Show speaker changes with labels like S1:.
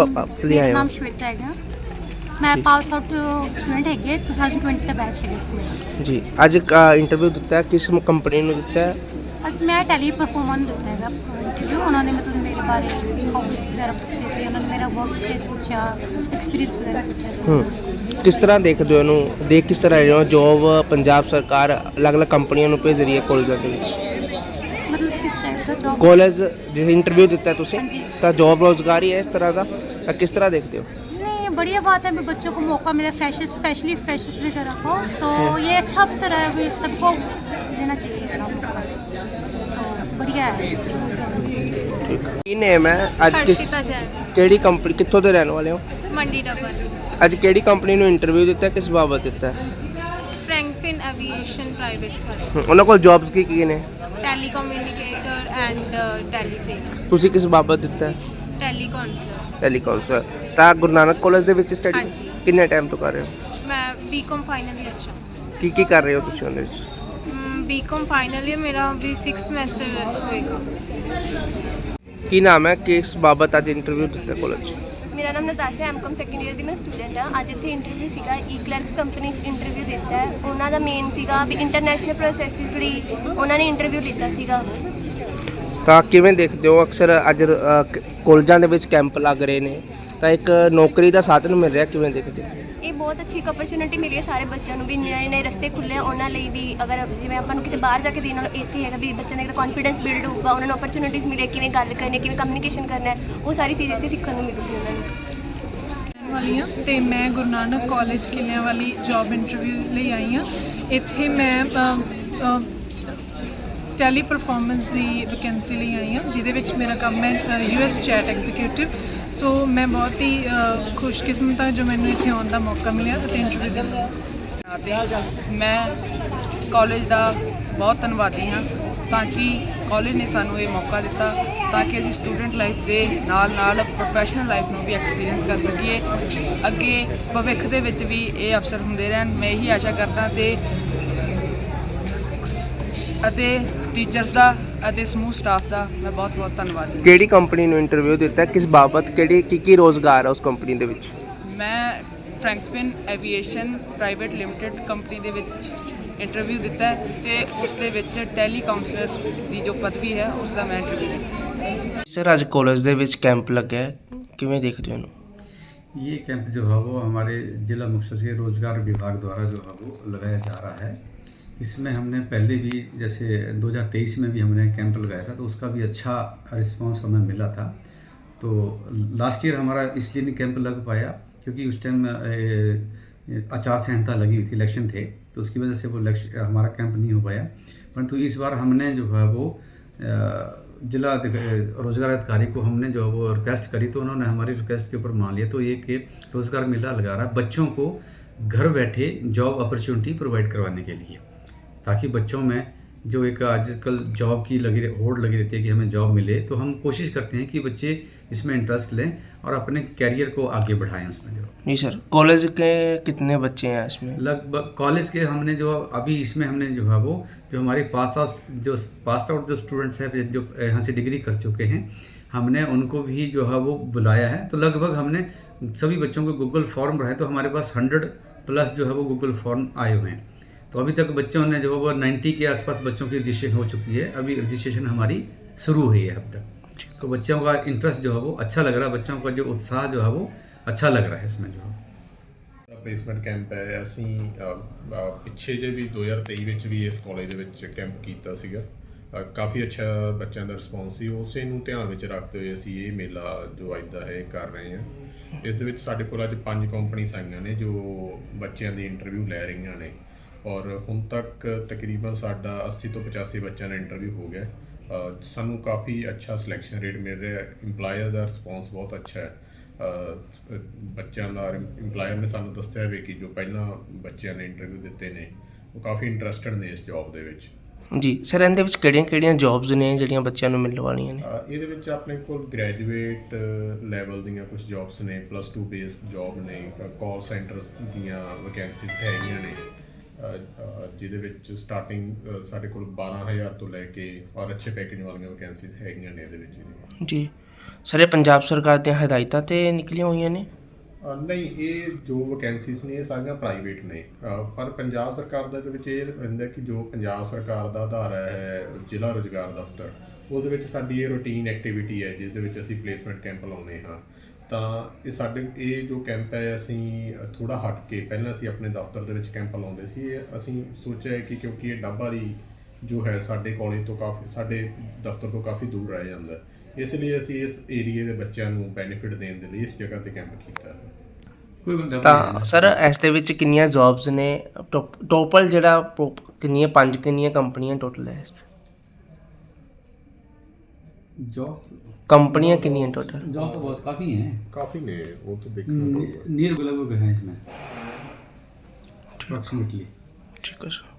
S1: ਵਾਪਸ ਲਈ ਆਏ
S2: ਮੇਰਾ
S1: ਹੋ?
S2: ਨਾਮ ਸ਼ਵੇਤਾ ਹੈਗਾ। ਮੈਂ ਪਾਸ ਆਊਟ ਸਟੂਡੈਂਟ ਹੈਗੀ ਹਾਂ, 2020 ਦਾ ਬੈਚ ਹੈਗਾ ਸੀ ਮੇਰਾ।
S1: ਜੀ, ਅੱਜ ਇੰਟਰਵਿਊ ਦਿੱਤਾ ਹੈ, ਕਿਸ ਕੰਪਨੀ ਨੂੰ ਦਿੱਤਾ ਹੈ?
S2: ਅਸੀਂ ਮੈਂ ਟੈਲੀ ਪਰਫਾਰਮਰ ਨੂੰ ਦਿੱਤਾ ਹੈਗਾ ਇੰਟਰਵਿਊ। ਉਹਨਾਂ ਨੇ ਮਤਲਬ ਮੇਰੇ ਬਾਰੇ ਹੌਬੀਜ਼ ਵਗੈਰਾ ਪੁੱਛੇ ਸੀ, ਉਹਨਾਂ ਨੇ ਮੇਰਾ ਵਰਕ ਪਲੇਸ ਪੁੱਛਿਆ, ਐਕਸਪੀਰੀਅੰਸ ਵਗੈਰਾ ਪੁੱਛਿਆ ਸੀ।
S1: ਕਿਸ ਤਰ੍ਹਾਂ ਦੇਖਦੇ ਹੋ ਇਹਨੂੰ, ਦੇਖ ਕਿਸ ਤਰ੍ਹਾਂ ਰਹੇ ਹੋ? ਜੋਬ ਪੰਜਾਬ ਸਰਕਾਰ ਅਲੱਗ-ਅਲੱਗ ਕੰਪਨੀਆਂ ਨੂੰ ਭੇਜ ਰਹੀ ਹੈ ਕਾਲਜਾਂ ਦੇ ਵਿੱਚ।
S2: ਮਤਲਬ ਕਿਸ ਟਾਈਪ ਦਾ ਜੋਬ?
S1: ਕਾਲਜ ਜੇ ਇੰਟਰਵਿਊ ਦਿੱਤਾ ਤੁਸੀਂ
S2: हाँ जी।
S1: ਤਾਂ ਜੋਬ ਰੋਜ਼ਗਾਰ ਹੀ ਹੈ ਇਸ ਤਰ੍ਹਾਂ ਦਾ, ਤਾਂ ਕਿਸ तरह देखते हो?
S2: नहीं, बढ़िया बात है, भी बच्चों को मौका मिले, फ्रेशर्स स्पेशली फ्रेशर्स वगैरह को, तो ये अच्छा अवसर है, भी सबको लेना चाहिए अपना मौका, तो बढ़िया है।
S1: ਠੀਕ। ਕੀ ਨੇਮ ਹੈ ਅੱਜ?
S3: ਹਰਸ਼ਿਤਾ ਜੈਨ,
S1: ਕਿਹੜੀ ਕੰਪਨੀ, ਕਿੱਥੋਂ ਦੇ ਰਹਿਣ ਵਾਲੇ ਹੋ?
S3: ਮੰਡੀ ਡੱਬਲ।
S1: ਅੱਜ ਕਿਹੜੀ ਕੰਪਨੀ ਨੂੰ ਇੰਟਰਵਿਊ ਦਿੱਤਾ, ਕਿਸ ਬਾਬਤ ਦਿੱਤਾ ਹੈ?
S3: ਫਰੈਂਕਫਿਨ ਐਵੀਏਸ਼ਨ ਪ੍ਰਾਈਵੇਟ ਸਰਵਿਸ,
S1: ਉਹਨਾਂ ਕੋਲ ਜੌਬਸ ਕੀ ਨੇ?
S3: ਟੈਲੀਕਮਿਊਨੀਕੇਟਰ ਐਂਡ ਟੈਲੀ ਸੇਲਸ,
S1: ਤੁਸੀਂ ਕਿਸ ਬਾਬਤ ਦਿੱਤਾ ਹੈ?
S3: Tele counsellor.
S1: Telecom sir. ਤਾਂ ਗੁਰੂ ਨਾਨਕ ਕਾਲਜ ਦੇ ਵਿੱਚ ਸਟੱਡੀ
S3: ਹਾਂਜੀ।
S1: ਕਿੰਨੇ ਟਾਈਮ ਤੋਂ ਕਰ ਰਹੇ ਹੋ?
S3: ਮੈਂ ਬੀਕਾਮ ਫਾਈਨਲ ਈਅਰ ਚ ਹਾਂ।
S1: ਕੀ ਕਰ ਰਹੇ ਹੋ ਤੁਸੀਂ ਉਹਦੇ ਵਿੱਚ?
S3: ਬੀਕਾਮ ਫਾਈਨਲ ਈਅਰ ਮੇਰਾ ਵੀ 6 ਸਮੈਸਟਰ ਹੋਏਗਾ।
S1: ਕੀ ਨਾਮ ਹੈ, ਕਿਸ ਬਾਬਤ ਅੱਜ ਇੰਟਰਵਿਊ ਦਿੱਤਾ ਕਾਲਜ?
S4: ਮੇਰਾ ਨਾਮ ਨਤਾਸ਼ਾ, ਐਮਕਾਮ ਸੈਕੰਡ ਈਅਰ ਦੀ ਮੈਂ ਸਟੂਡੈਂਟ ਹਾਂ। ਅੱਜ ਇੱਥੇ ਇੰਟਰਵਿਊ ਸੀਗਾ, ਈ-ਕਲਰਕਸ ਕੰਪਨੀ 'ਚ ਇੰਟਰਵਿਊ ਦਿੱਤਾ ਹੈ। ਉਹਨਾਂ ਦਾ ਮੇਨ ਸੀਗਾ ਵੀ ਇੰਟਰਨੈਸ਼ਨਲ ਪ੍ਰੋਸੈਸਿਸ ਲਈ ਉਹਨਾਂ ਨੇ ਇੰਟਰਵਿਊ ਲਿੱਤਾ ਸੀਗਾ।
S1: ਤਾਂ ਕਿਵੇਂ ਦੇਖਦੇ ਹੋ, ਅਕਸਰ ਅੱਜ ਕਾਲਜਾਂ ਦੇ ਵਿੱਚ ਕੈਂਪ ਲੱਗ ਰਹੇ ਨੇ, ਤਾਂ ਇੱਕ ਨੌਕਰੀ ਦਾ ਸਾਧਨ ਮਿਲ ਰਿਹਾ, ਕਿਵੇਂ ਦੇਖਦੇ ਹੋ?
S4: ਇਹ ਬਹੁਤ ਅੱਛੀ ਇੱਕ ਓਪਰਚੁਨਿਟੀ ਮਿਲੀ ਹੈ ਸਾਰੇ ਬੱਚਿਆਂ ਨੂੰ, ਵੀ ਨਵੇਂ ਨਵੇਂ ਰਸਤੇ ਖੁੱਲ੍ਹੇ ਉਹਨਾਂ ਲਈ ਵੀ। ਅਗਰ ਜਿਵੇਂ ਆਪਾਂ ਨੂੰ ਕਿਤੇ ਬਾਹਰ ਜਾ ਕੇ ਦੇਣ ਨਾਲੋਂ ਇੱਥੇ ਹੈਗਾ ਵੀ ਬੱਚਿਆਂ ਦਾ ਇੱਕ ਕੌਨਫੀਡੈਂਸ ਬਿਲਡ ਹੋਊਗਾ, ਉਹਨਾਂ ਨੂੰ ਓਪਰਚੁਨਿਟੀਜ਼ ਮਿਲੇ, ਕਿਵੇਂ ਗੱਲ ਕਰਨੀ, ਕਿਵੇਂ ਕਮਿਊਨੀਕੇਸ਼ਨ ਕਰਨਾ ਹੈ, ਉਹ ਸਾਰੀ ਚੀਜ਼ ਇੱਥੇ ਸਿੱਖਣ ਨੂੰ ਮਿਲੂਗੀ ਉਹਨਾਂ ਨੂੰ।
S5: ਵਾਲੀ ਹਾਂ ਤੇ ਮੈਂ ਗੁਰੂ ਨਾਨਕ ਕਾਲਜ ਕਿਲਿਆਂ ਵਾਲੀ ਜੌਬ ਇੰਟਰਵਿਊ ਲਈ ਆਈ ਹਾਂ। ਇੱਥੇ ਮੈਂ ਟੈਲੀ ਪਰਫਾਰਮੈਂਸ ਦੀ ਵੈਕੈਂਸੀ ਲਈ ਆਈ ਹਾਂ, ਜਿਹਦੇ ਵਿੱਚ ਮੇਰਾ ਕੰਮ ਹੈ US ਚੈਟ ਐਗਜ਼ੀਕਿਊਟਿਵ। ਸੋ ਮੈਂ ਬਹੁਤ ਹੀ ਖੁਸ਼ਕਿਸਮਤ ਹਾਂ ਜੋ ਮੈਨੂੰ ਇੱਥੇ ਆਉਣ ਦਾ ਮੌਕਾ ਮਿਲਿਆ ਅਤੇ ਇੰਟਰਵਿਊ ਦੇਣ ਦਾ।
S6: ਅਤੇ ਮੈਂ ਕਾਲਜ ਦਾ ਬਹੁਤ ਧੰਨਵਾਦੀ ਹਾਂ, ਤਾਂ ਕਿ ਕਾਲਜ ਨੇ ਸਾਨੂੰ ਇਹ ਮੌਕਾ ਦਿੱਤਾ ਤਾਂ ਕਿ ਅਸੀਂ ਸਟੂਡੈਂਟ ਲਾਈਫ ਦੇ ਨਾਲ ਨਾਲ ਪ੍ਰੋਫੈਸ਼ਨਲ ਲਾਈਫ ਨੂੰ ਵੀ ਐਕਸਪੀਰੀਅੰਸ ਕਰ ਸਕੀਏ। ਅੱਗੇ ਭਵਿੱਖ ਦੇ ਵਿੱਚ ਵੀ ਇਹ ਅਵਸਰ ਹੁੰਦੇ ਰਹਿਣ, ਮੈਂ ਇਹੀ ਆਸ਼ਾ ਕਰਦਾ। ਅਤੇ ਟੀਚਰਸ ਦਾ ਅਤੇ ਸਮੂਹ ਸਟਾਫ ਦਾ ਮੈਂ ਬਹੁਤ ਬਹੁਤ ਧੰਨਵਾਦੀ।
S1: ਕਿਹੜੀ ਕੰਪਨੀ ਨੂੰ ਇੰਟਰਵਿਊ ਦਿੱਤਾ, ਕਿਸ ਬਾਬਤ, ਕਿਹੜੀ ਕੀ ਰੋਜ਼ਗਾਰ ਹੈ ਉਸ ਕੰਪਨੀ ਦੇ ਵਿੱਚ?
S6: ਮੈਂ Frankfinn aviation private limited company ਦੇ ਵਿੱਚ ਇੰਟਰਵਿਊ ਦਿੱਤਾ ਹੈ ਤੇ ਉਸ ਦੇ ਵਿੱਚ ਟੈਲੀ ਕਾਉਂਸਲਰ ਦੀ ਜੋ ਪਦਵੀ ਹੈ ਉਸ ਦਾ ਮੈਂ ਇੰਟਰਵਿਊ ਦਿੱਤਾ।
S1: ਸਰ, ਅੱਜ ਕਾਲਜ ਦੇ ਵਿੱਚ ਕੈਂਪ ਲੱਗਿਆ, ਕਿਵੇਂ ਦੇਖਦੇ ਹੋ ਇਹਨੂੰ?
S7: ये कैंप जो है वो हमारे ज़िला मुख्य सचिव रोजगार विभाग द्वारा जो है वो लगाया जा रहा है। इसमें हमने पहले भी जैसे 2023 में भी हमने कैंप लगाया था, तो उसका भी अच्छा रिस्पांस हमें मिला था। तो लास्ट ईयर हमारा इसलिए नहीं कैंप लग पाया क्योंकि उस टाइम आचार संहिता लगी हुई थी, इलेक्शन थे, तो उसकी वजह से वो हमारा कैंप नहीं हो पाया। परंतु इस बार हमने जो है वो जिला रोजगार अधिकारी को हमने जो वो रिक्वेस्ट करी, तो उन्होंने हमारी रिक्वेस्ट के ऊपर मान लिया। तो एक रोजगार मेला लगा रहा है बच्चों को घर बैठे जॉब अपॉर्चुनिटी प्रोवाइड करवाने के लिए, ताकि बच्चों में जो एक आजकल जॉब की होड़ लगी रहती है कि हमें जॉब मिले, तो हम कोशिश करते हैं कि बच्चे इसमें इंटरेस्ट लें और अपने कैरियर को आगे बढ़ाएं उसमें। जो
S1: नहीं सर, कॉलेज के कितने बच्चे हैं इसमें?
S7: लगभग कॉलेज के हमने जो अभी इसमें हमने जो है वो जो हमारे पास आउट जो स्टूडेंट्स हैं जो यहाँ से डिग्री कर चुके हैं, हमने उनको भी जो है वो बुलाया है। तो लगभग हमने सभी बच्चों को गूगल फॉर्म रहे, तो हमारे पास 100+ जो है वो गूगल फॉर्म आए हुए हैं। तो अभी तक बच्चों ने जो है वो 90 के आसपास बच्चों की रजिस्ट्रेशन हो चुकी है। अभी रजिस्ट्रेशन हमारी शुरू हुई है अब तक। तो बच्चों का इंटरेस्ट जो है वो अच्छा लग रहा है, बच्चों का जो उत्साह जो है वो अच्छा लग रहा है इसमें जो है।
S8: ਪਲੇਸਮੈਂਟ ਕੈਂਪ ਹੈ। ਅਸੀਂ ਪਿੱਛੇ ਜੇ ਵੀ 2023 ਵਿੱਚ ਵੀ ਇਸ ਕਾਲਜ ਦੇ ਵਿੱਚ ਕੈਂਪ ਕੀਤਾ ਸੀਗਾ। ਕਾਫੀ ਅੱਛਾ ਬੱਚਿਆਂ ਦਾ ਰਿਸਪੌਂਸ ਸੀ। ਉਸੇ ਨੂੰ ਧਿਆਨ ਵਿੱਚ ਰੱਖਦੇ ਹੋਏ ਅਸੀਂ ਇਹ ਮੇਲਾ ਜੋ ਅੱਜ ਦਾ ਹੈ ਕਰ ਰਹੇ ਹਾਂ। ਇਸ ਦੇ ਵਿੱਚ ਸਾਡੇ ਕੋਲ ਅੱਜ 5 ਕੰਪਨੀਆਂ ਆਈਆਂ ਨੇ ਜੋ ਬੱਚਿਆਂ ਦੀ ਇੰਟਰਵਿਊ ਲੈ ਰਹੀਆਂ ਨੇ, ਔਰ ਹੁਣ ਤੱਕ ਤਕਰੀਬਨ ਸਾਡਾ 80 ਤੋਂ 85 ਬੱਚਿਆਂ ਦਾ ਇੰਟਰਵਿਊ ਹੋ ਗਿਆ। ਸਾਨੂੰ ਕਾਫੀ ਅੱਛਾ ਸਿਲੈਕਸ਼ਨ ਰੇਟ ਮਿਲ ਰਿਹਾ। ਇੰਪਲਾਇਰ ਦਾ ਰਿਸਪੌਂਸ ਬਹੁਤ ਅੱਛਾ ਹੈ। ਬੱਚਿਆਂ ਦਾ ਇੰਪਲਾਇਰ ਨੇ ਸਾਨੂੰ ਦੱਸਿਆ ਵੀ ਕਿ ਜੋ ਪਹਿਲਾਂ ਬੱਚਿਆਂ ਨੇ ਇੰਟਰਵਿਊ ਦਿੱਤੇ ਨੇ ਉਹ ਕਾਫੀ ਇੰਟਰਸਟਡ ਨੇ ਇਸ ਜੌਬ ਦੇ ਵਿੱਚ।
S1: ਜੀ ਸਰ, ਇਹਦੇ ਵਿੱਚ ਕਿਹੜੀਆਂ ਜੌਬਸ ਨੇ ਜਿਹੜੀਆਂ ਬੱਚਿਆਂ ਨੂੰ ਮਿਲਣ ਵਾਲੀਆਂ ਨੇ?
S8: ਇਹਦੇ ਵਿੱਚ ਆਪਣੇ ਕੋਲ ਗ੍ਰੈਜੂਏਟ ਲੈਵਲ ਦੀਆਂ ਕੁਝ ਜੌਬਸ ਨੇ, +2 ਬੇਸ ਜੌਬ ਨੇ, ਕਾਲ ਸੈਂਟਰਸ ਦੀਆਂ ਵੈਕੈਂਸੀਜ਼ ਹੈਗੀਆਂ ਨੇ, ਜਿਹਦੇ ਵਿੱਚ ਸਟਾਰਟਿੰਗ ਸਾਡੇ ਕੋਲ 12,000 ਤੋਂ ਲੈ ਕੇ ਔਰ ਅੱਛੇ ਪੈਕੇਜ ਵਾਲੀਆਂ ਵੈਕੈਂਸੀਜ਼ ਹੈਗੀਆਂ ਨੇ ਇਹਦੇ ਵਿੱਚ।
S1: ਜੀ, ਸਰ ਇਹ ਪੰਜਾਬ ਸਰਕਾਰ ਦੀਆਂ ਹਦਾਇਤਾਂ ਤੇ ਨਿਕਲੀਆਂ ਹੋਈਆਂ ਨੇ?
S8: ਨਹੀਂ, ਇਹ ਜੋ ਵੈਕੈਂਸੀਜ਼ ਨੇ ਇਹ ਸਾਰੀਆਂ ਪ੍ਰਾਈਵੇਟ ਨੇ, ਪਰ ਪੰਜਾਬ ਸਰਕਾਰ ਦੇ ਵਿੱਚ ਇਹ ਹੁੰਦਾ ਕਿ ਜੋ ਪੰਜਾਬ ਸਰਕਾਰ ਦਾ ਅਦਾਰਾ ਹੈ ਜ਼ਿਲ੍ਹਾ ਰੁਜ਼ਗਾਰ ਦਫ਼ਤਰ, ਉਹਦੇ ਵਿੱਚ ਸਾਡੀ ਇਹ ਰੂਟੀਨ ਐਕਟੀਵਿਟੀ ਹੈ ਜਿਸ ਦੇ ਵਿੱਚ ਅਸੀਂ ਪਲੇਸਮੈਂਟ ਕੈਂਪ ਲਾਉਂਦੇ ਹਾਂ। ਤਾਂ ਇਹ ਜੋ ਕੈਂਪ ਹੈ ਅਸੀਂ ਥੋੜ੍ਹਾ ਹਟ ਕੇ, ਪਹਿਲਾਂ ਅਸੀਂ ਆਪਣੇ ਦਫ਼ਤਰ ਦੇ ਵਿੱਚ ਕੈਂਪ ਲਾਉਂਦੇ ਸੀ, ਇਹ ਅਸੀਂ ਸੋਚਿਆ ਕਿ ਕਿਉਂਕਿ ਇਹ ਡੱਬਾਰੀ ਜੋ ਹੈ ਸਾਡੇ ਕਾਲਜ ਤੋਂ ਸਾਡੇ ਦਫ਼ਤਰ ਤੋਂ ਕਾਫੀ ਦੂਰ ਰਹਿ ਜਾਂਦਾ, ਇਸ ਲਈ ਅਸੀਂ ਇਸ ਏਰੀਏ ਦੇ ਬੱਚਿਆਂ ਨੂੰ ਬੈਨੀਫਿਟ ਦੇਣ ਦੇ ਲਈ ਇਸ ਜਗ੍ਹਾ ਤੇ ਕੈਂਪ ਕੀਤਾ ਹੈ।
S1: ਤਾਂ ਸਰ ਇਸ ਦੇ ਵਿੱਚ ਕਿੰਨੀਆਂ ਜੌਬਸ ਨੇ ਟੋਟਲ, ਜਿਹੜਾ ਕਿੰਨੀਆਂ ਕੰਪਨੀਆਂ ਟੋਟਲ ਹੈ?
S7: जॉब
S1: ਕੰਪਨੀਆਂ ਕਿੰਨੀਆਂ टोटल?
S7: जॉब तो बहुत काफ़ी हैं,
S8: ਕਾਫੀ ਨੇ, ਉਹ तो देखना होगा।
S7: नियर लगभग हैं इसमें अप्रॉक्सीमेटली।
S1: ठीक है सर।